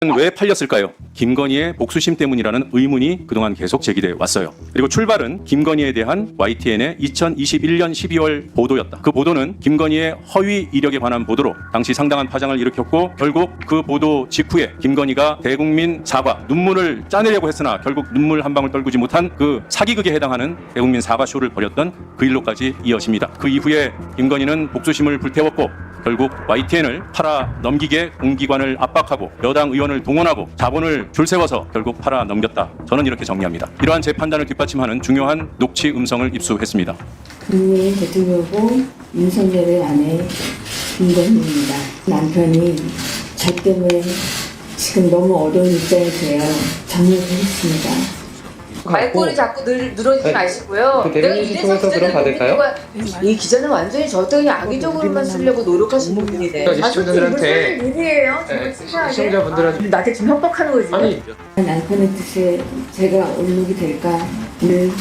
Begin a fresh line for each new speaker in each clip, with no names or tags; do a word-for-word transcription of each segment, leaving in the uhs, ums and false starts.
왜 팔렸을까요? 김건희의 복수심 때문이라는 의문이 그동안 계속 제기돼 왔어요. 그리고 출발은 김건희에 대한 와이티엔의 이천이십일 년 십이월 보도였다. 그 보도는 김건희의 허위 이력에 관한 보도로 당시 상당한 파장을 일으켰고, 결국 그 보도 직후에 김건희가 대국민 사과, 눈물을 짜내려고 했으나 결국 눈물 한 방울 떨구지 못한 그 사기극에 해당하는 대국민 사과 쇼를 벌였던 그 일로까지 이어집니다. 그 이후에 김건희는 복수심을 불태웠고, 결국 와이티엔을 팔아 넘기게 공기관을 압박하고 여당 의원을 동원하고 자본을 줄 세워서 결국 팔아 넘겼다. 저는 이렇게 정리합니다. 이러한 제 판단을 뒷받침하는 중요한 녹취 음성을 입수했습니다.
국민 대통령고 윤석열의 아내 김건희입니다. 남편이 저 때문에 지금 너무 어려운 입장에서요. 정리를 했습니다.
말꼬리 자꾸 늘, 늘어지지
네.
마시고요.
그 대변인실 통해서 그럼 받을까요?
이 기자는 완전히 저 어떤 악의적으로만 쓰려고 노력하시는 분이네.
그러니까 시청자들한테
일이에요.
네, 시청자분들한테
나한테 지금 협박하는 거지.
아니
남편의 뜻에 제가 얼룩이 될까 늘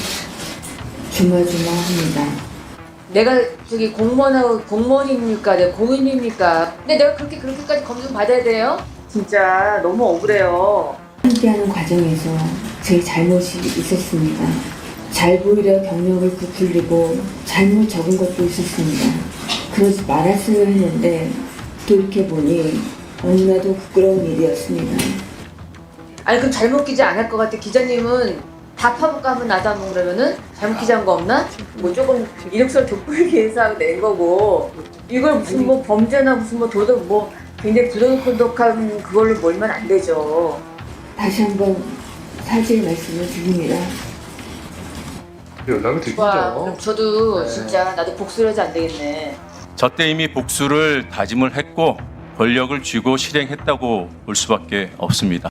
조마조마합니다.
내가 저기 공무원하고 공무원입니까? 내가 공인입니까? 근데 내가 그렇게 그렇게까지 검증 받아야 돼요? 진짜 너무 억울해요.
함께하는 과정에서 제 잘못이 있었습니다. 잘 보이려 경력을 부풀리고 잘못 적은 것도 있었습니다. 그러지 말았어야 했는데 돌이켜보니 너무나도 부끄러운 일이었습니다.
아니 그럼 잘못 기자 안 할 것 같아. 기자님은 다 파볼까 하면 나도 한번 그러면은 잘못 기자한 거 없나? 뭐 조금 이력서를 돋보이기 위해서 낸 거고, 이걸 무슨 뭐 범죄나 무슨 뭐 도덕 뭐 굉장히 부도덕한 그걸로 몰면 안 되죠.
다시 한번 사죄의 말씀을 드립니다.
연락을
와, 그럼
드리죠.
저도
네.
진짜 나도 복수를 하지 안 되겠네.
저 때 이미 복수를 다짐을 했고 권력을 쥐고 실행했다고 볼 수밖에 없습니다.